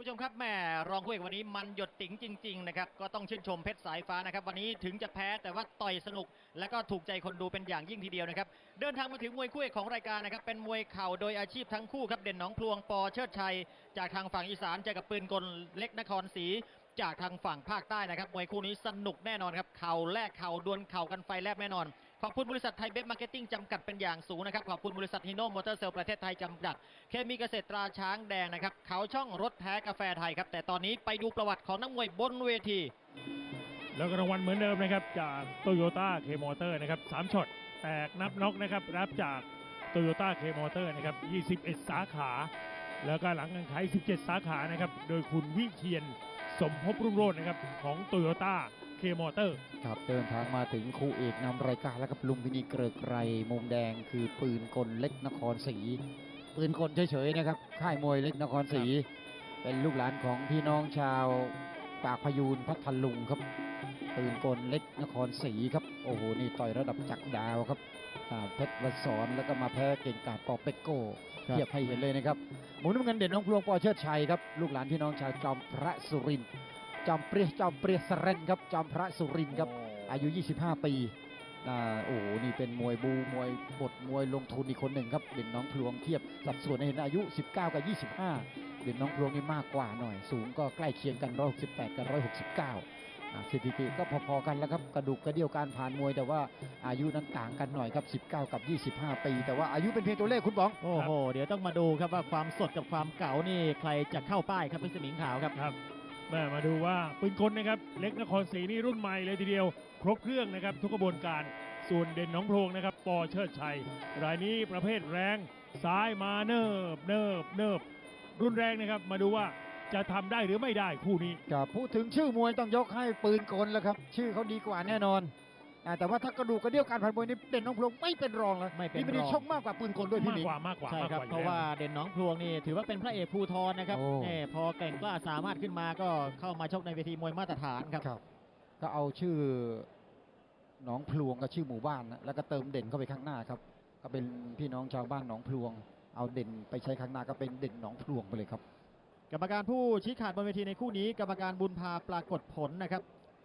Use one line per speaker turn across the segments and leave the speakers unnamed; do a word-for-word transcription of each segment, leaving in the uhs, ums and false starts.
ผู้ชมครับแม่รองคู่เอกวันนี้มันหยดติ๋งจริงๆนะครับก็ต้องชื่นชมเพชรสายฟ้านะครับวันนี้ถึงจะแพ้แต่ว่าต่อยสนุกและก็ถูกใจคนดูเป็นอย่างยิ่งทีเดียวนะครับเดินทางมาถึงมวยคู่เอกของรายการนะครับเป็นมวยเข่าโดยอาชีพทั้งคู่ครับเด่นหนองพลวงปอเชิดชัยจากทางฝั่งอีสานเจอกับปืนกลเล็กนครศรีจากทางฝั่งภาคใต้นะครับมวยคู่นี้สนุกแน่นอนครับเข่าแลกเข่าดวลเข่ากันไฟแลบแน่นอนขอบคุณบริษัทไทยเบฟมาร์เก็ตติ้งจำกัดเป็นอย่างสูงนะครับขอบคุณบริษัทฮิโน่มอเตอร์เซลประเทศไทยจำกัดเคมีเกษตรตราช้างแดงนะครับเขาช่องรถแท้กาแฟไทยครับแต่ตอนนี้ไปดูประวัติของนักมวยบนเวที
แล้วก็รางวัลเหมือนเดิมนะครับจากโตโยต้าเคมอเตอร์นะครับสามช็อตแตกนับน็อกนะครับรับจากโตโยต้าเคมอเตอร์นะครับยี่สิบเอ็ดสาขาแล้วก็หลังการขายสิบเจ็ดสาขานะครับโดยคุณวิเชียนสมภพรุ่งโรจน์นะครับของโตโยต้าเคมอเตอร์
ครับเดินทางมาถึงคู่เอกนำรายการแล้วกับลุงพินีเกริกไกรมุมแดงคือปืนกลเล็กนครศรีปืนกลเฉยๆนะครับค่ายมวยเล็กนครศรีเป็นลูกหลานของพี่น้องชาวปากพยูนพัทลุงครับปืนกลเล็กนครศรีครับโอ้โหนี่ต่อยระดับจักรดาวครับเพชรวสรแล้วก็มาแพ้เก่งกาจปอเป็กโก้เทียบให้เห็นเลยนะครับหมุนน้ำเงินเด่นน้องพลวงปอเชิดชัยครับลูกหลานพี่น้องชาวจอมพระสุรินทร์จอมเปรียจอมเปรียสเรนครับจอมพระสุรินทร์ครับอายุยี่สิบห้าปีอ่าโอ้โหนี่เป็นมวยบูมวยบทมวยลงทุนอีกคนหนึ่งครับเด่นน้องพลวงเทียบสัดส่วนให้เห็นอายุสิบเก้ากับยี่สิบห้าเด่นน้องพลวงนี่มากกว่าหน่อยสูงก็ใกล้เคียงกันหนึ่งร้อยหกสิบแปดกับหนึ่งร้อยหกสิบเก้าสถิติก็พอๆกันแล้วครับกระดูกกระเดี่ยวการผ่านมวยแต่ว่าอายุนั้นต่างกันหน่อยครับสิบเก้ากับยี่สิบห้าปีแต่ว่าอายุเป็นเพียงตัวเลขคุณบอง
โอ้โหเดี๋ยวต้องมาดูครับว่าความสดกับความเก่านี่ใครจะเข้าป้ายครับพี่สมิงขาวครับ
ครับแม่มาดูว่าปืนกลนะครับเล็กนครศรีนี่รุ่นใหม่เลยทีเดียวครบเครื่องนะครับทุกกระบวนการส่วนเด่นหนองโพรงนะครับปอเชิดชัยรายนี้ประเภทแรงซ้ายมาเนิบเนิบเนิบรุนแรงนะครับมาดูว่าจะทำได้หรือไม่ได้คู่นี้
ครับพูดถึงชื่อมวยต้องยกให้ปืนกลแล้วครับชื่อเขาดีกว่าแน่นอนแต่ว่าถ้ากระดูกกระเดี่ยวการผ่านมวยนี่เด่นน้องพลวงไม่เป็นรองแล้ว
ไม่เป็น
รองชกมากกว่าปืนกลด้วยพี่
มากกว่ามากกว่า
ใช่ครับเพราะว่าเด่นน้องพลวงนี่ถือว่าเป็นพระเอกภูธรนะครับนี่พอเก่งกล้าสามารถขึ้นมาก็เข้ามาชกในเวทีมวยมาตรฐานครับ
ก็เอาชื่อหนองพลวงกับชื่อหมู่บ้านนะแล้วก็เติมเด่นเข้าไปข้างหน้าครับก็เป็นพี่น้องชาวบ้านหนองพลวงเอาเด่นไปใช้ข้างหน้าก็เป็นเด่นหนองพลวงไปเลยครับ
กรรมการผู้ชี้ขาดบนเวทีในคู่นี้กรรมการบุญพาปรากฏผลนะครับ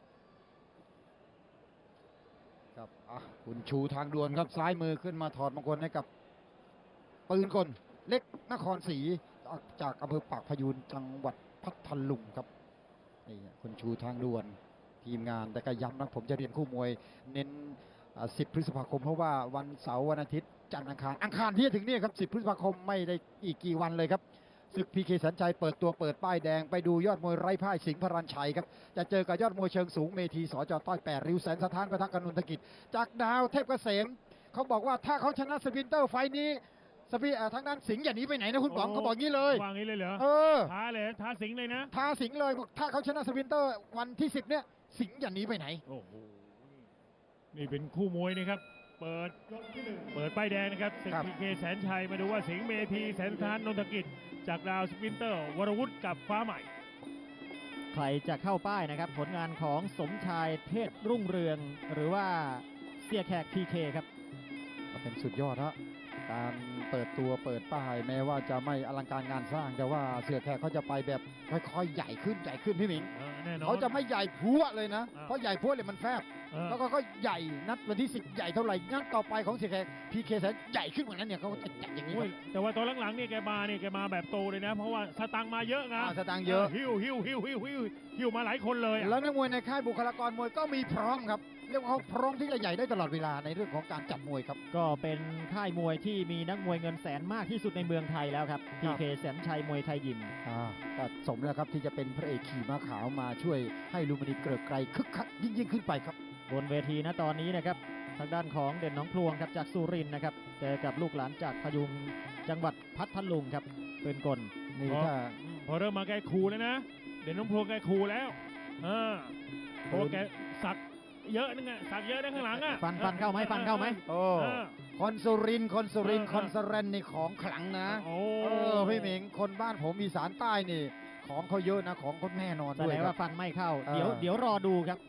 ครับอ่ะคุณชูทางด่วนครับซ้ายมือขึ้นมาถอดมงคลให้กับปืนกลเล็กนครศรีจากอำเภอปากพยูนจังหวัดพัทลุงครับนี่คุณชูทางด่วนทีมงานแต่ก็ย้ำนะผมจะเรียนคู่มวยเน้นสิบพฤษภาคมเพราะว่าวันเสาร์วันอาทิตย์จันทร์อังคารอังคารที่จะถึงนี่ครับสิบพฤษภาคมไม่ได้อีกกี่วันเลยครับศึกพีเคสัญชัยเปิดตัวเปิดป้ายแดงไปดูยอดมวยไร้พ่ายสิงห์พรัญชัยครับจะเจอกับยอดมวยเชิงสูงเมธีสจต้อยแปดริ้วแสนสถานประทักกนุนธกิจจากดาวเทพเกษมเขาบอกว่าถ้าเขาชนะสปินเตอร์ไฟนี้สปีทางด้านสิงห์อย่าหนีไปไหนนะคุณป๋องเขาบอกงี้เลยว
างงี้เลยเหรอ
เออ
ท้าเลยท้าสิงห์เลยนะ
ท้าสิงห์เลยบอกถ้าเขาชนะสปินเตอร์วันที่สิบเนี่ยสิงห์อย่าหนีไปไหน
โอ้โหนี่เป็นคู่มวยนะครับเปิดเปิดป้ายแดงนะครับศึกพีเคแสนชัยมาดูว่าสิงห์เมธีแสนสถานนนทกิจจากดาวสปินเตอร์วรวุฒิกับฟ้าใหม่
ใครจะเข้าป้ายนะครับผลงานของสมชายเทศรุ่งเรืองหรือว่าเสียแขก พี เค ครับ
เป็นสุดยอดฮะการเปิดตัวเปิดป้ายแม้ว่าจะไม่อลังการงานสร้างแต่ว่าเสือแขกเขาจะไปแบบค่อยๆใหญ่ขึ้นใหญ่ขึ้นพี่หมิงเขาจะไม่ใหญ่พัวเลยนะเพราะใหญ่พัวเลยมันแฟบแล้วก็ก็ใหญ่นัดวันที่สิบใหญ่เท่าไหร่นัดต่อไปของเสือแขกพีเคแสนใหญ่ขึ้นกว่านั้นเนี่ยเขาจะจัดอย่างนี้
แต่ว่าตอนหลังๆเนี่ยแกมาเนี่ยแกมาแบบโตเลยนะเพราะว่าสตางค์มาเยอะนะ
สตางค์เยอะ
หิวหิวหิวหิวหิวหิวมาหลายคนเลย
แล้วนักมวยในค่ายบุคลากรมวยก็มีพร้อมครับเรียกว่าเขาพร้อมที่จะใหญ่ได้ตลอดเวลาในเรื่องของการจัดมวยครับ
ก็เป็นค่ายมวยที่มีนักมวยเงินแสนมากที่สุดในเมืองไทยแล้วครับ พี เค แสนชัยมวยไทยยิม
อ่าก็สมแล้วครับที่จะเป็นพระเอกขี่ม้าขาวมาช่วยให้ลุมพินีเกริกไกรคึกคักยิ่งยิ่งขึ้นไปครับ
บนเวทีนะตอนนี้นะครับทางด้านของเด่นหนองพลวงครับจากสุรินทร์นะครับเจอกับลูกหลานจากพยุงจังหวัดพัทลุงครับเป็นกล
นี่ถ้าพอเริ่มมาแกคูแล้วนะเด่นหนองพลวงแกคูแล้วอ่าเพราะแกสักเยอะนึงอะสักเยอะนะข้างหลังอะ
ฟันฟันเข้าไหมฟันเข้าไหม
โอ้คอนสุรินคอนสุรินคอนเซเรนนี่ของขลังนะโอ้พี่หมิงคนบ้านผมอีสานใต้นี่ของเขาเยอะนะของคนแน่นอน
ด้วยแสดงว่าฟันไม่เข้าเดี๋ยวเดี๋ยวรอดูครับ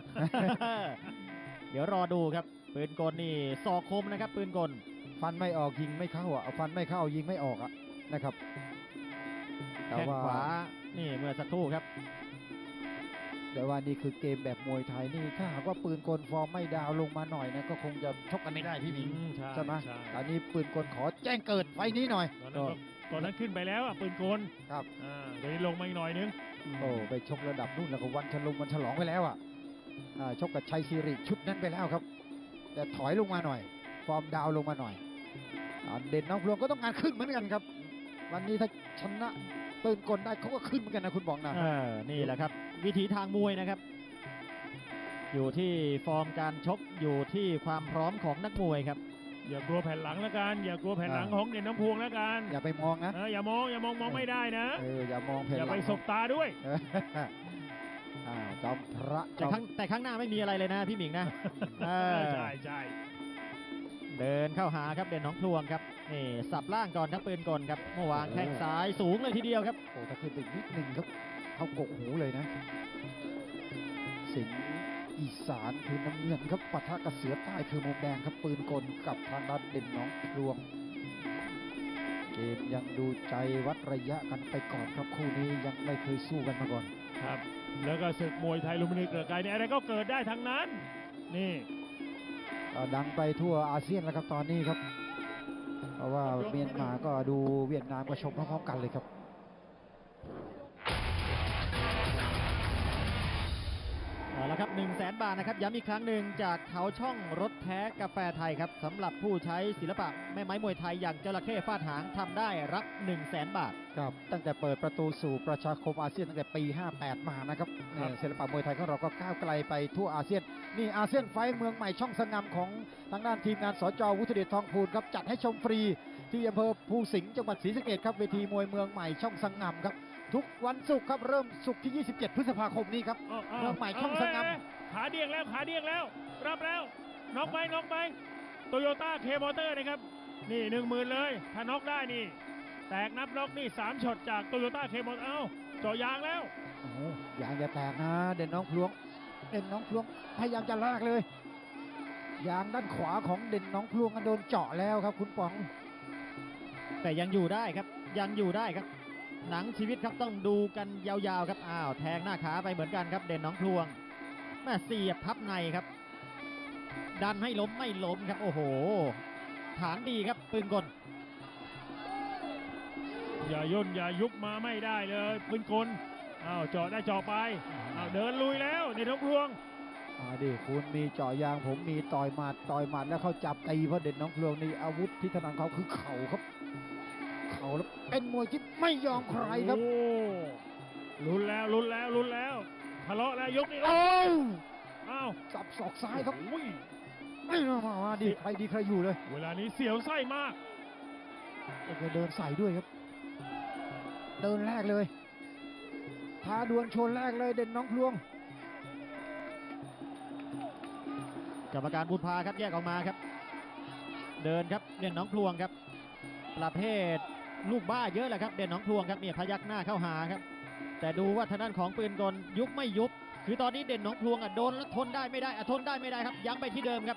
เดี๋ยวรอดูครับปืนกลนี่ศอกคมนะครับปืนกล
ฟันไม่ออกยิงไม่เข้าอ่ะฟันไม่เข้ายิงไม่ออกอ่ะนะครับแต่
แข้ง
ว่า
ขวานี่เมื่อสักครู่ครับ
แต่ว่านี่คือเกมแบบมวยไทยนี่ถ้าหากว่าปืนกลฟอร์มไม่ดาวลงมาหน่อยนะก็คงจะชกกันไม่ได้พี่หมิง
อืมใช่
ใช่ไหม
ใช่
อันนี้ปืนกลขอแจ้งเกิดไฟนี้หน่อย
ตอนนั้นก็ตอนนั้นขึ้นไปแล้วอ่ะปืนกล
ครับ
อ่าเดี๋ยวนี้ลงมาอีกหน่อยนึง
โอ้ไปชกระดับนู่นแล้วก็วันฉลองวันฉลองไปแล้วอ่ะอ่าชกกับชัยซีริชุดนั้นไปแล้วครับ แต่ถอยลงมาหน่อย ฟอร์มดาวลงมาหน่อยอ่าเด่นน้องพลวงก็ต้องการขึ้นเหมือนกันครับ วันนี้ถ้าชนะปืนกลได้เขาก็ขึ้นเหมือนกันนะคุณบอกนะ
เออ นี่แหละครับ วิถีทางมวยนะครับ อยู่ที่ฟอร์มการชกอยู่ที่ความพร้อมของนักมวยครับ
อย่ากลัวแผ่นหลังแล้วกัน อย่ากลัวแผ่นหลังของเด่นน้ำพวงแล้วกัน
อย่าไปมองนะ
เอออย่ามองอย่ามองมองไม่ได้นะ
เอออย่ามองแผ่น
อย่า
หลั
ไป
ง
สบตาด้วย
เอออ่าจอมพระจ
แต่
อม
ข้างแต่ข้างหน้าไม่มีอะไรเลยนะพี่หมิงนะเออ
ใช่ใช่
เดินเข้าหาครับเด่นหน้องพลวงครับนี่สับล่างก่อนครับปืนกลครับเมื่อวานแข้งซ้ายสูงเลยทีเดียวครับ
โอ้ถ้าขึ้นไปอีกนิดหนึ่งครับ เขากกหูเลยนะ สิงห์อีสานคือน้ำเงินครับปะทะกับเสือใต้คือมุมแดงครับปืนกลกับทางด้านเด่นหน้องพลวง เกมยังดูใจวัดระยะกันไปก่อนครับคู่นี้ยังไม่เคยสู้กันมาก่อน
ครับ แล้วก็ศึกมวยไทยลุมพินีเกลือไกรเนี่ยอะไรก็เกิดได้ทั้งนั้น นี่
ก็ดังไปทั่วอาเซียนแล้วครับตอนนี้ครับ เพราะว่าเมียนมาก็ดูเวียดนามก็ชมพร้อมๆกันเลยครับ
เอาละครับหนึ่งแสนบาทนะครับย้ำอีกครั้งหนึ่งจากเขาช่องรถแท้กาแฟไทยครับสำหรับผู้ใช้ศิลปะแม่ไม้มวยไทยอย่างจระเข้ฟาดหางทำได้รับ1 0 0 0 0แสนบาท
ครับตั้งแต่เปิดประตูสู่ประชาคมอาเซียนตั้งแต่ปี ห้าแปด มานะครับเนี่ยศิลปะมวยไทยของเราก็ก้าวไกลไปทั่วอาเซียน นี่อาเซียนไฟท์เมืองใหม่ช่องสงามของทางด้านทีมงานสจวุฒิเดชทองพูนครับจัดให้ชมฟรีที่อำเภอภูสิงห์จังหวัดศรีสะเกษครับเวทีมวยเมืองใหม่ช่องสงามครับทุกวันศุกร์ครับเริ่มศุกร์ที่ ยี่สิบเจ็ด พฤษภาคมนี้ครับ
เอาเอา
เมืองใหม่ช่องสงาม
เอ้ยขาเดียงแล้วขาเดียงแล้ว รับแล้วน็อกไปน็อกไปโตโยต้าเคมอเตอร์นะครับ นี่หนึ่งหมื่นเลย ถ้าน็อกได้นี่ แตกนับน็อกนี่สามช็อตจากโตโยต้าเคมอเตอร์เอ้าเจาะยางแล้ว
โอ้โหยางอย่าแตกนะเด่นน้องพลวงเด่นน้องพลวงพยายามจะลากเลย ยางด้านขวาของเด่นน้องพลวงก็โดนเจาะแล้วครับคุณป๋อง
แต่ยังอยู่ได้ครับยังอยู่ได้ครับ หนังชีวิตครับต้องดูกันยาวๆครับอ้าวแทงหน้าขาไปเหมือนกันครับเด่นหน้องพลวงแม่เสียบพับในครับ ดันให้ล้มไม่ล้มครับโอ้โห ฐานดีครับปืนกล
อย่าย่นอย่ายุบมาไม่ได้เลยปืนกลอ้าวเจาะได้เจาะไปอ้าวเดินลุยแล้วในท้องพลวง
อ่าดิคุณมีเจาะยางผมมีต่อยหมัดต่อยหมัดแล้วเขาจับตีเพราะเด่นน้องพลวงนี่อาวุธที่ถนัดเขาคือเข่าครับ เข่าแล้วเป็นมวยที่ไม่ยอมใครครับ
โอ้ลุ้นแล้วลุ้นแล้วลุ้นแล้วทะเลาะแล้วยกนี่
โอ้ว
อ้าว
สับศอกซ้ายครับ
โอ้ย
ไม่มามามาดิใครดีใครอยู่เลย
เวลานี้เสียวไส้มาก
โอ้โหเดินใส่ด้วยครับ เดินแรกเลยท้าดวลชนแรกเลยเด่นน้องพลวง
กรรมการบุญพาครับแยกออกมาครับ เดินครับเด่นหน้องพลวงครับ ประเภทลูกบ้าเยอะแหละครับเด่นหน้องพลวงครับเนี่ยพยักหน้าเข้าหาครับ แต่ดูว่าทางด้านของปืนกลยุบไม่ยุบ คือตอนนี้เด่นหน้องพลวงอ่ะโดนแล้วทนได้ไม่ได้อ่ะทนได้ไม่ได้ครับยังไปที่เดิมครับ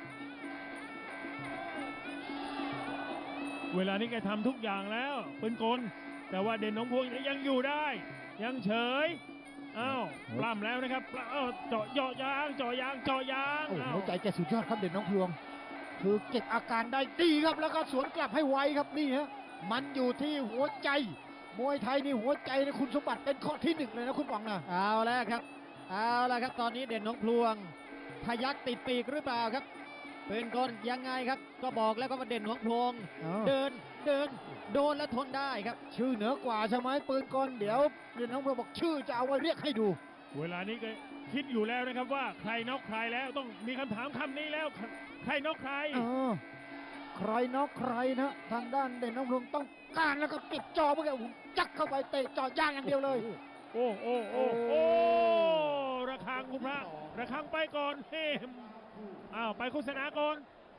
เวลานี้แกทำทุกอย่างแล้วปืนกล แต่ว่าเด่นน้องพวงยังอยู่ได้ ยังเฉยอ้าวปล้ำแล้วนะครับปล้ำอ้าวเจาะเจาะยางเจาะยางเจาะยาง
โอ้โห
อ้าว
หัวใจแกสุดยอดครับเด่นน้องพลวง คือเก็บอาการได้ดีครับแล้วก็สวนกลับให้ไวครับนี่ฮะมันอยู่ที่หัวใจ มวยไทยนี่หัวใจนะคุณสมบัติเป็นข้อที่หนึ่งเลยนะคุณป๋องนะ
เอาแล้วครับ เอาแล้วครับ ตอนนี้เด่นหน้องพลวง พยักติดปีกหรือเปล่าครับปืนกลยังไงครับ ก็บอกแล้วก็ว่าเด่นหน้องพลวง เดินเดินโดนแล้วทนได้ครับ
ชื่อเหนือกว่าใช่ไหมปืนกลเดี๋ยวเด่นน้องพลวงบอกชื่อจะเอาไว้เรียกให้ดู
เวลานี้ก็คิดอยู่แล้วนะครับว่าใครน็อกใครแล้วต้องมีคำถามคำนี้แล้ว ใครน็อกใคร
เออใครนอกใครนะทางด้านเด่นน้องพลวงต้องการแล้วก็ปิดจอเมื่อกี้ผมจักเข้าไปเตะจอย่างอย่างเดียวเลย
โอ้โอ้โอ้โอ้ระฆังคุณพระระฆังไปก่อนเฮ้มอ้าวไปโฆษณาก่อน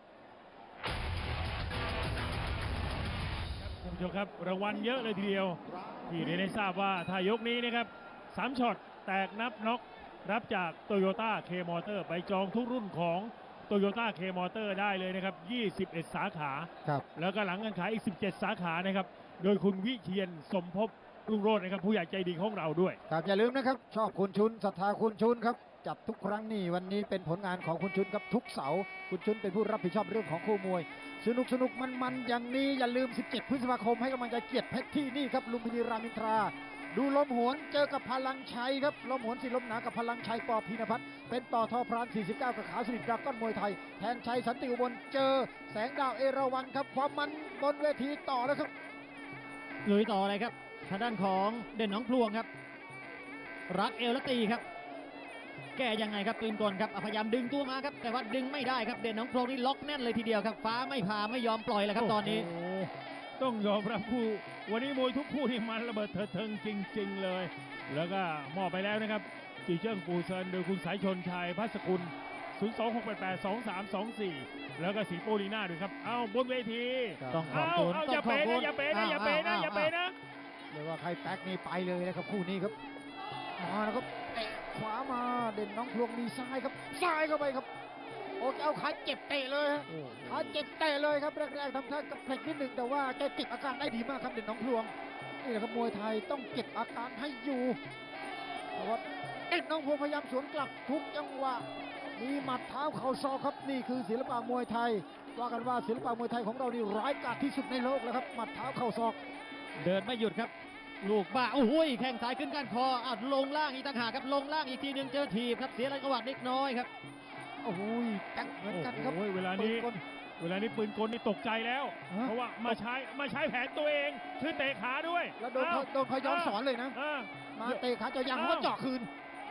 ท่านผู้ชมครับรางวัลเยอะเลยทีเดียวที่เรียนให้ทราบว่าถ้ายกนี้นะครับสามช็อตแตกนับน็อกรับจากโตโยต้าเคมอเตอร์ไปจองทุกรุ่นของโตโยต้าเคมอเตอร์ได้เลยนะครับยี่สิบเอ็ดสาขา
ครับ
แล้วก็หลังการขายอีกสิบเจ็ดสาขานะครับโดยคุณวิเชียนสมภพรุ่งโรจน์นะครับผู้ใหญ่ใจดีของเราด้วย
ครับอย่าลืมนะครับชอบคุณชุนศรัทธาคุณชุนครับจัดทุกครั้งนี่วันนี้เป็นผลงานของคุณชุนครับทุกเสาร์คุณชุนเป็นผู้รับผิดชอบเรื่องของคู่มวย สนุกสนุกมันมันๆอย่างนี้อย่าลืม สิบเจ็ด พฤษภาคมให้กำลังใจเกียรติเพชรที่นี่ครับลุมพินีรามอินทรา ดูลมหวนเจอกับพลังชัยครับลมหวนสิลมหนากับพลังชัยปอพีนพัฒน์เป็นต่อทอพรานสี่สิบเก้ากับขาสนิทดราก้อนมวยไทยแทนชัยสันติอุบลเจอแสงดาวเอราวัณครับความมันบนเวทีต่อแล้วครับ
ลุยต่อเลยครับทางด้านของเด่นหนองพลวงครับ รักเอวและตีครับ แก้ยังไงครับปืนกลครับอ่ะพยายามดึงตัวมาครับแต่ว่าดึงไม่ได้ครับเด่นหนองพลวงนี่ล็อกแน่นเลยทีเดียวครับฟ้าไม่พาไม่ยอมปล่อยเลยครับตอนนี้
โโหต้องยอมรับคู่วันนี้มวยทุกคู่นี่มันระเบิดเถิดเทิงจริง ๆ เลย แล้วก็มอบไปแล้วนะครับจีเจิ้งปูเซินโดยคุณสายชนชัยพัสกุล ศูนย์ สอง หก แปด แปด สอง สาม สอง สี่ แล้วก็สีโปลีน่าด้วยครับเอาบนเวที
ต้องขอบ
เอา
คุณ
เอา
ต้
อย่า
องข
เป๋
อบคุ
นะ
ณ
อย่าเป๋นะอย่าเป๋นะอย่าเป๋นะ
เรียกว่าใครแป๊กนี่ไปเลยนะครับคู่นี้ครับมาแล้วครับเตะขวามาเด่นน้องพลวงมีซ้ายครับซ้ายเข้าไปครับโอ้เอาขาเจ็บเตะเลยฮะขาเจ็บเตะเลยครับแรกๆทำท่ากับเพลกนิดหนึ่งแต่ว่าแกเก็บอาการได้ดีมากครับเด่นน้องพลวงนี่แหละครับมวยไทยต้องเก็บอาการให้อยู่แต่ว่าเด่นน้องพลวงพยายามสวนกลับทุกจังหวะมีหมัดเท้าเข่าศอกครับนี่คือศิลปะมวยไทยว่ากันว่าศิลปะมวยไทยของเรานี่ร้ายกาจที่สุดในโลกแล้วครับหมัดเท้าเข่าศอก
เดินไม่หยุดครับ ลูกบ้าโอ้โหแข้งซ้ายขึ้นก้านคออ่ะลงล่างอีกต่างหากครับลงล่างอีกทีหนึงเจอถีบครับเสียจังหวะเล็กน้อยครับ
โอ้โหแป๊กเหมือนกันครับ
โอ้โหเวลานี้
ปืกล
เวลานี้ปืนกลนี่ตกใจแล้ว
ฮะ
เพราะว่ามาใช้มาใช้แผนตัวเองคือเตะขาด้วย
แล้วโดน
อ้า
เขาโดนเขาย้อนสอนเลยนะ
อ่า
มาเตะขาเจาะยางเขาก็เจาะคืน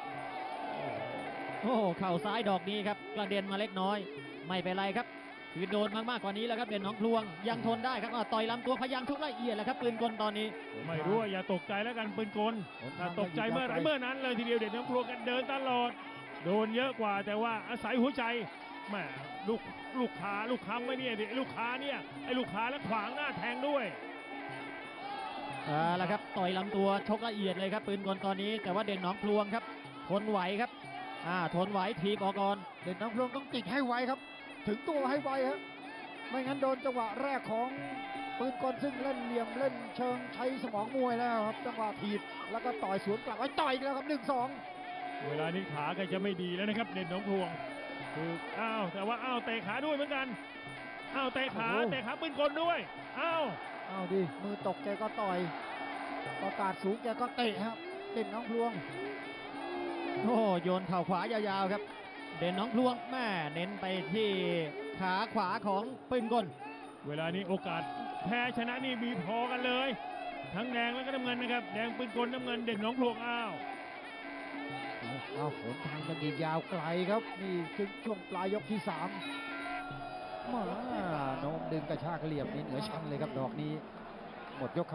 โอ้โหเข่าซ้ายดอกนี้ครับกระเด็นมาเล็กน้อย ไม่เป็นไรครับคือโดนมากๆกว่านี้แล้วครับเด่นหนองพลวงยังทนได้ครับอ่ะต่อยลำตัวพยายามทุกละเอียดแหละครับปืนกลตอนนี้
ไม่รู้ว่าอย่าตกใจแล้วกันปืนกลถ้าตกใจเมื่อไหรเมื่อนั้นเลยทีเดียวเด็กน้ำพลวงกันเดินตลอด โดนเยอะกว่าแต่ว่าอาศัยหัวใจแหม่ลูกลูกค้าลูกค้าไม่เนี่ยดิลูกค้าเนี่ยไอ้ลูกค้าแล้วขวางหน้าแทงด้วย
อ่าแล้วครับต่อยลำตัวชกละเอียดเลยครับปืนกลตอนนี้ แต่ว่าเด่นหนองพลวงครับทนไหวครับอ่าทนไหวทีบออกก่อน
เด่นน้องพลวงต้องติดให้ไวครับ ถึงตัวให้ไวครับไม่งั้นโดนจังหวะแรกของปืนกลซึ่งเล่นเหลี่ยมเล่นเชิงใช้สมองมวยแล้วครับจังหวะถีบแล้วก็ต่อยสวนกลับไว้ต่อยอีกแล้วครับหนึ่งสอง
เวลานี้ขาแกจะไม่ดีแล้วนะครับเด่นหนองพลวงคืออ้าวแต่ว่าอ้าวเตะขาด้วยเหมือนกันอ้าวเตะขาเตะขาปืนกลด้วยอ้าว
เอาดิมือตกแกก็ต่อยประกาศสูงแกก็เตะครับเด่นน้องพลวง
โอ้โยนเข่าขวายาวๆครับ เด่นหนองพลวงแม่เน้นไปที่ขาขวาของปืนกล
เวลานี้โอกาสแพ้ชนะนี่มีพอกันเลย ทั้งแดงแล้วก็น้ำเงินนะครับแดงปืนกลน้ำเงินเด่นหนองพลวงอ้าว
เอาเอาผลทางกันอีกยาวไกลครับ นี่ถึงช่วงปลายยกที่สามมาโน้มดึงกระชากเหลี่ยมนี่เหนือชั้นเลยครับดอกนี้ หมดยกครับ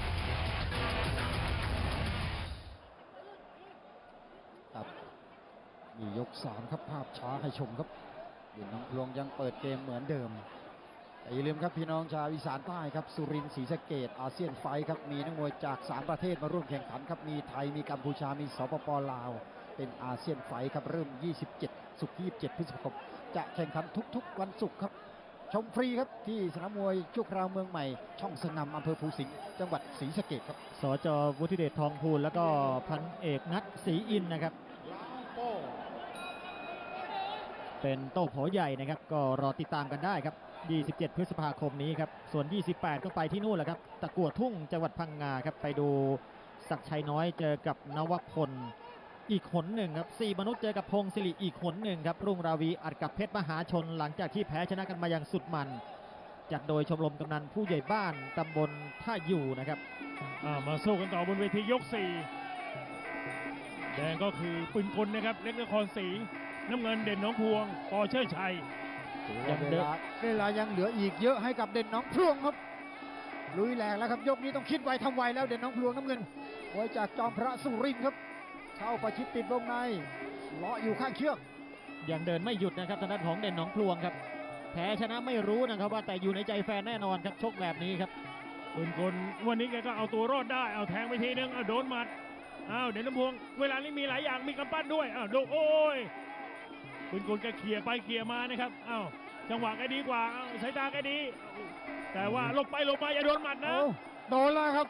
ครับนี่ยกสามครับภาพช้าให้ชมครับเด่นน้องพลวงยังเปิดเกมเหมือนเดิมแต่อย่าลืมครับพี่น้องชาวอีสานใต้ครับสุรินทร์ศรีสะเกษอาเซียนไฟท์ครับมีนักมวยจากสามประเทศมาร่วมแข่งขันครับมีไทยมีกัมพูชามีสปปลาวเป็นอาเซียนไฟท์ครับเริ่มยี่สิบเจ็ดศุกร์ที่ยี่สิบเจ็ดพฤษภาคมจะแข่งขันทุกๆวันศุกร์ครับชมฟรีครับที่สนามมวยชั่วคราวเมืองใหม่ช่องสนามอำเภอภูสิงห์จังหวัดศรีสะเกษครับ
สจวุฒิเดชทองพูลแล้วก็พันเอกนัทศรีอินทร์นะครับ เป็นโต้โผใหญ่นะครับ ก็รอติดตามกันได้ครับ ยี่สิบเจ็ด พฤษภาคมนี้ครับ ส่วน ยี่สิบแปด ก็ไปที่นู่นแหละครับ ตะกั่วทุ่งจังหวัดพังงาครับ ไปดูศักดิ์ชัยน้อยเจอกับนวพลอีกขนหนึ่งครับสี่มนุษย์เจอกับพงศิริอีกขนหนึ่งครับ รุ่งราวีอัดกับเพชรมหาชนหลังจากที่แพ้ชนะกันมาอย่างสุดมัน จัดโดยชมรมกำนันผู้ใหญ่บ้านตำบลท่าอยู่นะครับ
อ่ามาสู้กันต่อบนเวทียกสี่แดงก็คือปืนกลนะครับเล็กนครศรีน้ำเงินเด่นหน้องพวงปอเชิดชัย
ยัง
ยัง
เว
เดิน
ลาเวลายังเหลืออีกเยอะให้กับเด่นน้องพลวงครับลุยแหลกแล้วครับยกนี้ต้องคิดไวทำไวแล้วเด่นน้องพลวงน้ำเงินมวยจากจอมพระสุรินทร์ครับเข้าประชิดติดวงในเลาะอยู่ข้างเชือก
ยังเดินไม่หยุดนะครับทางด้านของเด่นหนองพลวงครับแพ้ชนะไม่รู้นะครับว่าแต่อยู่ในใจแฟนแน่นอนครับชกแบบนี้ครับ
ปืนกลวันนี้แกก็เอาตัวรอดได้เอาแทงไปทีนึงเอาโดนหมัดอ้าวเด่นน้ำพวงเวลานี้มีหลายอย่างมีกำปั้นด้วยอ้าวดูโอ้ยปืนกลแกเขี่ยไปเขี่ยมานะครับอ้าวจังหวะแกดีกว่าอ้าวสายตาแกดี แต่ว่าหลบไปหลบมาอย่าโดนหมัดนะ
โอ้โดนแล้วครับ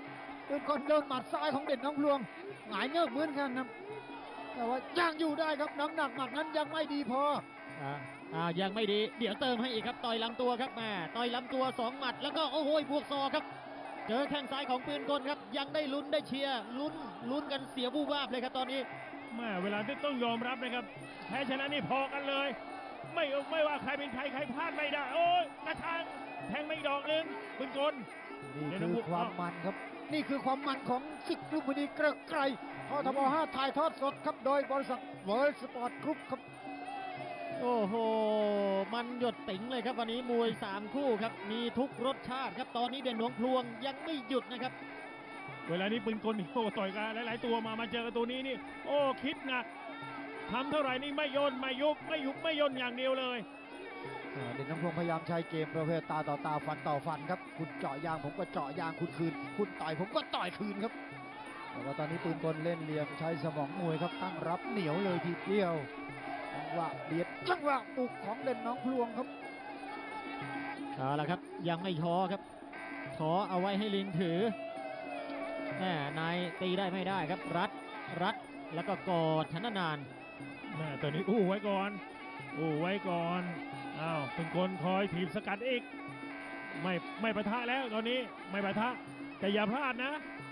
ปืนกลโดนหมัดซ้ายของเด่นน้องพลวงหงายเงือกเหมือนกันนะแต่ว่ายังอยู่ได้ครับน้ำหนักหมัดนั้นยังไม่ดีพอ
อ่าอ่ายังไม่ดีเดี๋ยวเติมให้อีกครับต่อยลำตัวครับแม่ต่อยลำตัวสองหมัดแล้วก็โอ้โหบวกศอกครับเจอแข้งซ้ายของปืนกลครับยังได้ลุ้นได้เชียร์ลุ้นลุ้นกันเสียบูบวาบเลยครับตอนนี้
แม่เวลาที่ต้องยอมรับนะครับแพ้ชนะนี่พอกันเลย ไม่ไม่ว่าใครเป็นใครใครพลาดไม่ได้ โอ้ยกระชังแทงไม่ดอกหนึงปืนกล
นี่คือความมันครับ นี่คือความมันของศึกลุมพินีเกริกไกรททบห้าถ่ายทอดสดครับโดยบริษัทเวิร์ลสปอร์ตกรุ๊ปครับ
โอ้โหมันหยดติ๋งเลยครับวันนี้มวยสามคู่ครับมีทุกรสชาติครับตอนนี้เด่นหลวงพลวงยังไม่หยุดนะครับ
เวลานี้ปืนกลนี่โอ้ต่อยกันหลายๆตัวมามาเจอกับตัวนี้นี่โอ้คิดหนักทำเท่าไหร่นี่ไม่ย่นไม่ยุบไม่ยุบไม่ย่นอย่างเดียวเลย
อ่าเด่นน้ำพงพยายามใช้เกมประเภทตาต่อตาฟันต่อฟันครับคุณเจาะยางผมก็เจาะยางคุณคืน คุณต่อยผมก็ต่อยคืนครับแต่ว่าตอนนี้ปืนกลเล่นเหลี่ยมใช้สมองมวยครับตั้งรับเหนียวเลยทีเดียวจังหวะเบียดจังหวะปลุกของเด่นน้องพลวงครับ
เอาละครับยังไม่ท้อครับท้อเอาไว้ให้ลิงถือแม่นายตีได้ไม่ได้ครับรัดรัดแล้วก็กอดฉันนาน
แม่ตัวนี้อู้ไว้ก่อนอู้ไว้ก่อนอ้าวเป็นคนคอยถีบสกัดอีกไม่ไม่ปะทะแล้วตอนนี้ไม่ปะทะแต่อย่าพลาดนะ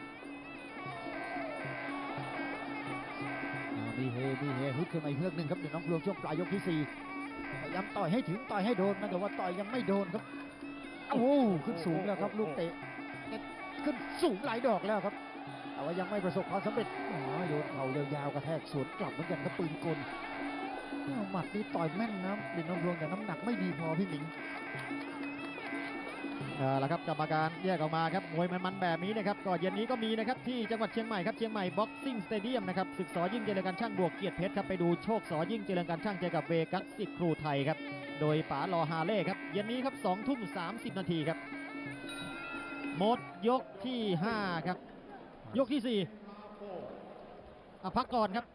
อ่ามีเฮมีเฮฮึดขึ้นมาอีกเฮือกหนึ่งครับเดี๋ยวน้องพลวงช่วงปลายยกที่สี่พยายามต่อยให้ถึงต่อยให้โดนนะแต่ว่าต่อยยังไม่โดนครับโอ้โหขึ้นสูงแล้วครับลูกเตะขึ้นสูงหลายดอกแล้วครับแต่ว่ายังไม่ประสบความสำเร็จอ๋อโยนเข่ายาวๆกระแทกสวนกลับเหมือนกันครับปืนกลอ้าวหมัดนี่ต่อยแม่นนะเด่นน้องพลวงแต่น้ำหนักไม่ดีพอพี่หมิง
ๆเอาละครับกรรมการแยกออกมาครับมวยมันๆแบบนี้นะครับก็เย็นนี้ก็มีนะครับที่จังหวัดเชียงใหม่ครับเชียงใหม่บ็อกซิ่งสเตเดียมนะครับศึกสอยิ่งเจริญการช่างบวกเกียรติเพชรครับไปดูโชคสอยิ่งเจริญการช่างเจอกับเวกัสสิทธิ์ครูไทยครับโดยป๋าลอฮาเล่ครับเย็นนี้ครับสองทุ่มสามสิบนาทีครับหมดยกที่ห้าครับยกที่สี่อ่ะพักก่อนครับ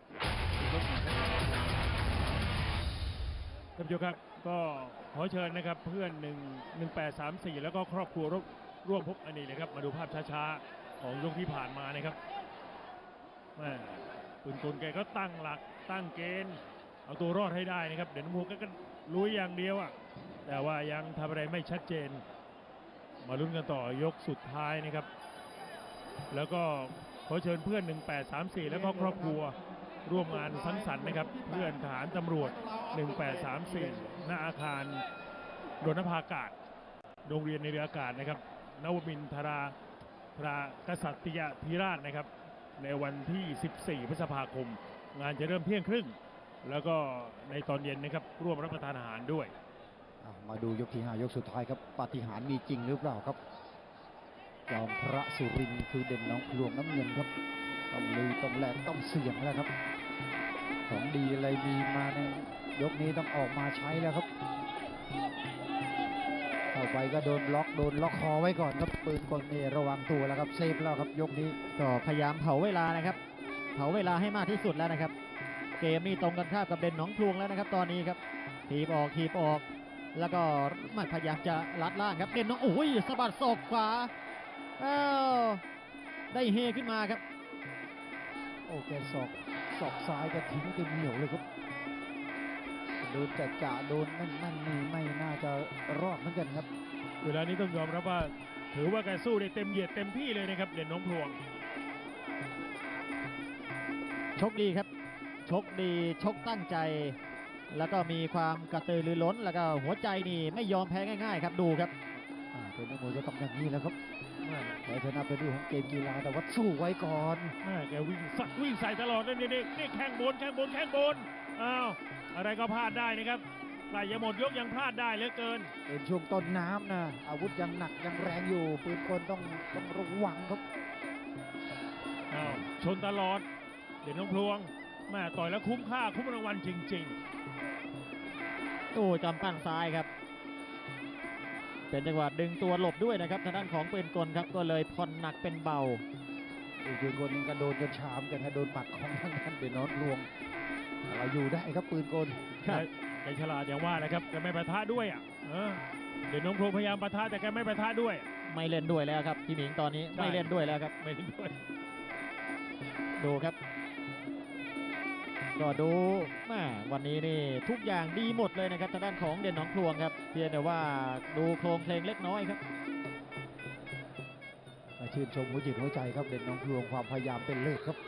ท่านผู้ชมครับก็ขอเชิญนะครับเพื่อนหนึ่งหนึ่งแปดสามสี่แล้วก็ครอบครัวร่วมร่วมพบอันนี้นะครับมาดูภาพช้าๆของยกที่ผ่านมานะครับแม่ปืนกลแกก็ตั้งหลักตั้งเกณฑ์เอาตัวรอดให้ได้นะครับเด่นมูกก็ลุยอย่างเดียวอ่ะแต่ว่ายังทำอะไรไม่ชัดเจน มาลุ้นกันต่อยกสุดท้ายนะครับแล้วก็ขอเชิญเพื่อนหนึ่งแปดสามสี่แล้วก็ครอบครัวร่วมงานสังสรรค์นะครับเพื่อนทหารตำรวจหนึ่งแปดสามสี่หน้าอาคารโดนภาอากาศโรงเรียนในเรืออากาศนะครับนวมินทราทรากษัตริยธิราชนะครับในวันที่สิบสี่พฤษภาคมงานจะเริ่มเที่ยงครึ่งแล้วก็ในตอนเย็นนะครับร่วมรับประทานอาหารด้วย
อ่ะมาดูยกที่ห้ายกสุดท้ายครับปาฏิหาริย์มีจริงหรือเปล่าครับจอมพระสุรินทร์คือเด่นน้องพลวงน้ำเงินครับต้องลุยต้องแลกต้องเสี่ยงแล้วครับของดีอะไรมีมาในยกนี้ต้องออกมาใช้แล้วครับเข้าไปก็โดนล็อกโดนล็อกคอไว้ก่อนครับปืนกลนี่ระวังตัวแล้วครับเซฟแล้วครับยกนี้
ก็พยายามเผาเวลานะครับเผาเวลาให้มากที่สุดแล้วนะครับเกมนี้ตรงกันข้ามกับเด่นหนองพลวงแล้วนะครับตอนนี้ครับทีบออกทีบออกแล้วก็มันพยายามจะลัดล่างครับเด่นหนองโอ้ยสะบัดศอกขวาอ้าวได้เฮขึ้นมาครับ
โอ้แกศอกศอกซ้ายแกทิ้งเต็มเหนียวเลยครับโดนจะจะโดนนั่นนั่นนี่ไม่น่าจะรอดเหมือนกันครับ
เวลานี้ต้องยอมรับว่าถือว่าแกสู้ได้เต็มเหยียดเต็มที่เลยนะครับเด่นน้องพลวง
ชกดีครับชกดีชกตั้งใจ แล้วก็มีความกระตือรือร้นแล้วก็หัวใจนี่ไม่ยอมแพ้ง่ายๆครับดูครับ
อ่าเป็นนักมวยก็ต้องอย่างนี้แหล้วครับแต่ชนะเป็นเรื่องของเกมกีฬาแต่ว่าสู้ไว้ก่อน
แม่แกวิ่งสักวิ่งใส่ตลอดเลยนี่นี่นี่แข้งบนแข้งบนแข้งบนอ้าวอะไรก็พลาดได้นะครับใกล้จะหมดยกยังพลาดได้เหลือเกิน
เป็นช่วงต้นน้ำนะอาวุธยังหนักยังแรงอยู่ปืนกลต้องต้องระวังครับ
อ้าวชนตลอดเด่นน้องพลวงแม่ต่อยแล้วคุ้มค่าคุ้มรางวัลจริง
โอ้จำปั้นซ้ายครับ เป็นจังหวะดึงตัวหลบด้วยนะครับทางด้านของปืนกลครับก็เลยผ่อนหนักเป็นเบา
อีกปืนกลนึงก็โดนจนชามกันนะโดนหมัดของทางด้านเดนนอตลวงเราอยู่ได้ครับปืนกล
ๆครับแกฉลาดอย่างว่านะครับแกไม่ปะทะด้วยอ่ะเออเด่นน้องพลวงพยายามปะทะแต่แกไม่ปะทะด้วย
อไม่เล่นด้วยแล้วครับพี่หมิงตอนนี้
ใช่
ไม่เล่นด้วยแล้วครับ
ไม่ได้ด้วย
ดูครับ ก็ดูแม่วันนี้นี่ทุกอย่างดีหมดเลยนะครับทางด้านของเด่นหนองพลวงครับเพียงแต่ว่าดูโครงเพลงเล็กน้อยครับ
มาชื่นชมหัวจิตหัวใจครับเด่นน้องพลวงความพยายามเป็นเลิศครับ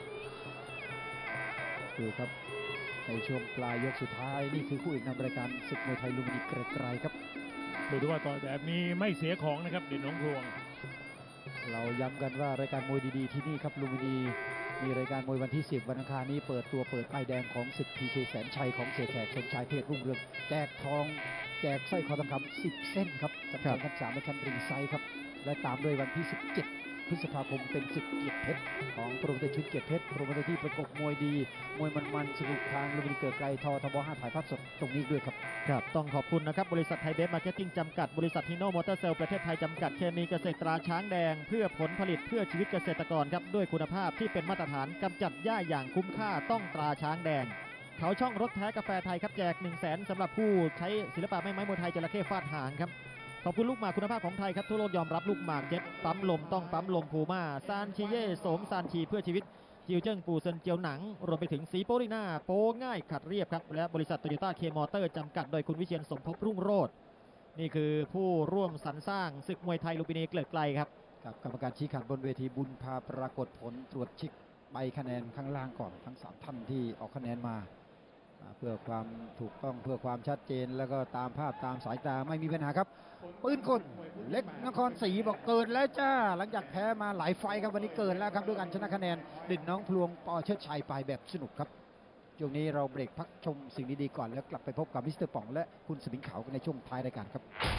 ดูครับในช่วงปลายยกสุดท้ายนี่คือคู่เอกนำรายการศึกมวยไทยลุมพินีเกรียงไกรครับ
ดูดูว่าต่อแบบนี้ไม่เสียของนะครับเด่นหน้องพลวง
เราย้ำกันว่ารายการมวยดีๆที่นี่ครับลุมพินีมีรายการมวยวันที่สิบวันอังคารนี้เปิดตัวเปิดป้ายแดงของศึกพีเคแสนชัยของเสียแขกชนชายเพชรรุ่งเรืองแจกทองแจกสร้อยคอทองคำสิบเส้นครับจำนวนกันสามในคันริงไซด์ครับและตามด้วยวันที่สิบเจ็ดพฤษภาคมเป็นศึกเกียรติเพชรของโปรโมเตอร์ชุดเกียรติเพชรโปรโมเตอร์ที่ประกบมวยดีมวยมันๆสนุกทางลุมพินีเกิดไกลทอทบห้าถ่ายภาพสดตรงนี้ด้วยครับ
ครับต้องขอบคุณนะครับบริษัทไทยเบฟมาร์เก็ตติ้งจำกัดบริษัทฮิโนมอเตอร์เซลประเทศไทยจำกัดเคมีเกษตรตราช้างแดง เพื่อผลผลิตเพื่อชีวิตเกษตรกรครับด้วยคุณภาพที่เป็นมาตรฐานกำจัดหญ้าอย่างคุ้มค่าต้องตราช้างแดง เขาช่องรถแท้กาแฟไทยครับแจก หนึ่งแสนสำหรับผู้ใช้ศิลปะแม่ไม้มวยไทยจระเข้ฟาดหางครับขอบคุณลูกหมากคุณภาพของไทยครับทั่วโลกยอมรับลูกหมากเจ็ตปั๊มลมต้องปั๊มลมพูม่าซานชีเย่โสมซานชีเพื่อชีวิตจิวเจิ้งปูเซินเจียวหนังรวมไปถึงสีโปริน่าโปง่ายขัดเรียบครับและบริษัทโตโยต้าเคมอเตอร์จำกัดโดยคุณวิเชียนสมภพรุ่งโรจน์นี่คือผู้ร่วมสรรสร้างศึกมวยไทยลุมพินีเกลิกไกลครับ
ครับกรรมการชี้ขาดบนเวทีบุญพาปรากฏผลตรวจเช็คใบคะแนนข้างล่างก่อนทั้งสามท่านที่ออกคะแนนมาอ่าเพื่อความถูกต้องเพื่อความชัดเจนแล้วก็ตามภาพตามสายตาไม่มีปัญหาครับปืนกลเล็กนครศรีบอกเกิดแล้วจ้าหลังจากแพ้มาหลายไฟท์ครับวันนี้เกิดแล้วครับด้วยการชนะคะแนนเด่นน้องพลวงปอเชิดชัยไปแบบสนุกครับช่วงนี้เราเบรกพักชมสิ่งดีๆก่อนแล้วกลับไปพบกับมิสเตอร์ป๋องและคุณสมิงขาวกันในช่วงท้ายรายการครับ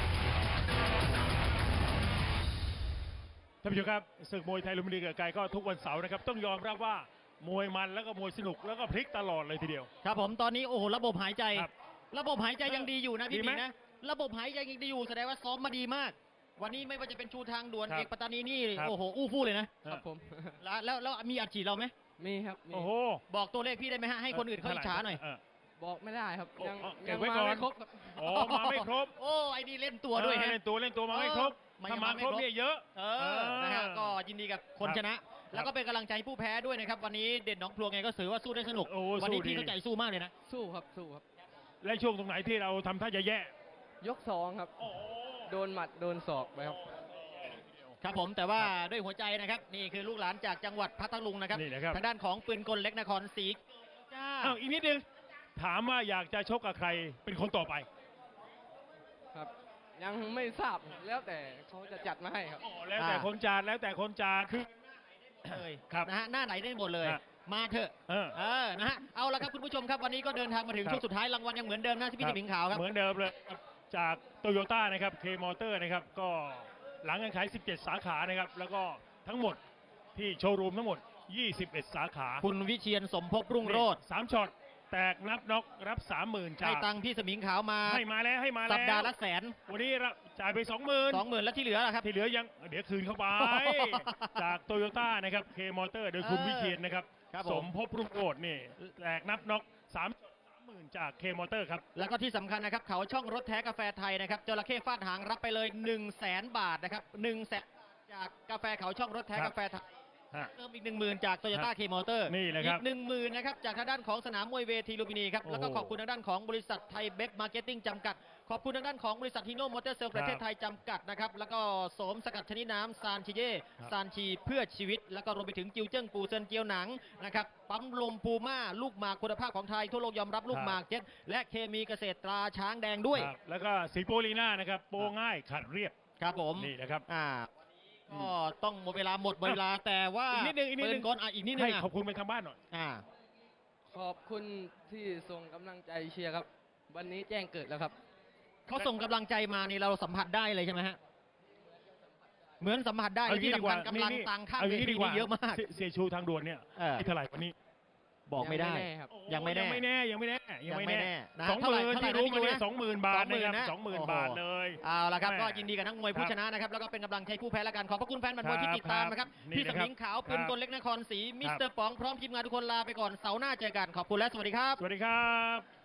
ท่านผู้ชมครับศึกมวยไทยลุมพินีเกิดไกลก็ทุกวันเสาร์นะครับต้องยอมรับว่ามวยมันแล้วก็มวยสนุกแล้วก็พลิกตลอดเลยทีเดียว
ครับผมตอนนี้โอ้โหระบบหายใจ
ครับ
ระบบหายใจยังดีอยู่นะพี่
ดี
ห
ไหม
มิงนะระบบหายใจยังดีอยู่แสดงว่าซ้อมมาดีมาก วันนี้ไม่ว่าจะเป็นชูทางด่วน
ครับ
เอกปัตตานีนี่
ครับ
โอ้โหอู้ฟู่เลยนะครับ
ผม
แล้วแล้วแล้วมีอัดฉีดเราไหม
มีครับมี
โอ้โห
บอกตัวเลขพี่ได้ไหมฮะให้คนอื่นเขาอิจฉาหน่อย
เ
บอกไม่ได้ครับ
โอ้
ยัง
อ๋อเก็
ยั
บ
ง
ไว้
มา
ก่อน
ไม่ครบครับ
อ๋อมาไม่ครบ
โอ้ไอ้นี่เล่นตัวด้วย
เออ
ฮะ
เล่นตัวเล่นตัวมาไม่ครบ
ไม่
ถ้ามา
ไม่
ครบ
ครบ
เนี่ยเยอะ
เออนะฮะก็ยินดีกับคนชนะ แล้วก็เป็นกำลังใจให้ผู้แพ้ด้วยนะครับวันนี้เด่นหนองพลวงไงก็ถือว่าสู้ได้สนุก
โอ้
วันนี้
สู้ดี
พี่เข้าใจสู้มากเลยนะ
สู้ครับสู้ครับ
และช่วงตรงไหนที่เราทำท่าจะแย่
ยกสองครับ
โอ้โห
โดนหมัดโดนศอกไปครับ
ครับผมแต่ว่าด้วยหัวใจนะครับนี่คือลูกหลานจากจังหวัดพัทลุงนะครับ
นี่นะครับ
ทางด้านของปืนกลเล็กนครศรีจ้า
อ้าวอีกนิดนึงถามว่าอยากจะชกกับใครเป็นคนต่อไป
ครับ ยังไม่ทราบแล้วแต่เขาจะจัดมาให้ครับ
อ๋อแล้วแต่คนจานแล้วแต่คนจานคือ
เลย
ครับ
นะฮะหน้าไหนได้หมดเลย
ฮะ
มาเถอะ
เออ
เออนะฮะเอาละครับคุณผู้ชมครับวันนี้ก็เดินทางมาถึง
ครับ
ช่วงสุดท้ายรางวัลยังเหมือนเดิมนะที่พี่สิงห์ขาวครับ
เหมือนเดิมเลยครับจากโตโยต้านะครับเคมอเตอร์นะครับก็หลังการขายสิบเจ็ดสาขานะครับแล้วก็ทั้งหมดที่โชว์รูมทั้งหมดยี่สิบเอ็ดสาขา
คุณวิเชียนสมภพรุ่งโรจน์
สามช็อตแตกนับน็อกรับสามหมื่นจา
ให้
ก
ตังค์พี่สมิงขาวมา
ให้มาแล้วให้มาแล้ว
สัปดาห์ละแสน
วันนี้รับจ่ายไปสองหมื่น
สองหมื่นแล้วที่เหลือล่ะครับ
ที่เหลือยังเดี๋ยวคืนเข้าไป จากโตโยต้านะครับเคมอเตอร์โดยคุณ
เออ
วิเชียนนะครับ
ครับ
ส
ผม
มภพรุ่งโรจน์นี่แตกนับน็อกสามหมื่นจากเคมอเตอร์ครับ
แล้วก็ที่สำคัญนะครับเขาช่องรถแท้กาแฟไทยนะครับจระเข้ฟาดหางรับไปเลย1นึ่งแสนบาทนะครับหนึ่งแสนจากกาแฟเขาช่องรถแท้
ครับ
กาแฟไทย
ฮะ
เติมอีกหนึ่งหมื่นจากโตโยต้าเคมอเตอร์
นี่แหละครับ
อีกหนึ่งหมื่นนะครับจากทางด้านของสนามมวยเวทีลุมพินีครับ
โอ้โห
แล้วก็ขอบคุณทางด้านของบริษัทไทยเบฟมาร์เก็ตติ้งจำกัด ขอบคุณทางด้านของบริษัทฮิโนมอเตอร์เซลประเทศไทยจำกัดนะครับแล้วก็โสมสกัดชนิดน้ำซานชิเย่
ครับ
ซานชีเพื่อชีวิต แล้วก็รวมไปถึงจิวเจิ้งปูเซินเจียวหนังนะครับปั๊มลมปูม่าลูกหมากคุณภาพของไทยทั่วโลกยอมรับลูกหมากเจ็ตและเคมีเกษตรตราช้างแดงด้วย
ครับแล้วก็สีโปลีน่านะครับโปง่ายขัดเรียบ
ครับผม
นี่นะครับ
อ่าก็ต้องหมดเวลาหมดเวลาแต่ว่า
อีกนิดนึงอีกนิดนึง
เปิก่อนอ่ะอีกนิดนึง
ให้
อ่ะ
ขอบคุณไปทางบ้านหน่อย
อ่า
ขอบคุณที่ส่งกำลังใจเชียร์ครับ วันนี้แจ้งเกิดแล้วครับ
เขาส่งกำลังใจมานี่เราสัมผัสได้เลยใช่ไหมฮะเหมือนสัมผัสได้
เอาอย่าง
ที่
นี้ดี
สำ
ก
คั
ว่า
ญกำลัง
นี่
ตังข้าง
เอาอ
เว
ย่างนี้
ที
ดีกว่า
นี่เยอะมาก
เสียเสียชูทางด่วนเนี่ย
เออ
ให้เท่าไหร่วันนี้
บอกไม่ได้
ยังไม่แน่ครับ
ยังไม่แน่
ยังไม่แน่ยังไม่แน่ยังไม่
ยังไม่แน่
แน่
นะ
สองห
เท่าไหร่
มื่น
เท่าไหร่
ที่รู้
นะ
มาเนี่ย
พี่
สองหมื่นบาทนะครับ
สองหมื่นนะ
สองหมื่น
โอ้โห
บาทเลย
เอาละครับ
แม่
ก็ยินดีกับนักมวยผู้ชนะนะครับแล้วก็เป็นกำลังใจผู้แพ้ละกันขอบพระคุณแฟนบันมวยที่ติดตามนะครับ
ครับ
พี่
นี่
ส
นะครับ
มิงขาวปืนกลเล็กนครศรีมิส
ครับ
เตอร์ป๋องพร้อมทีมงานทุกคนลาไปก่อนเสาร์หน้าเจอกันขอบคุณและสวัสดีครับ
สวัสดีครับ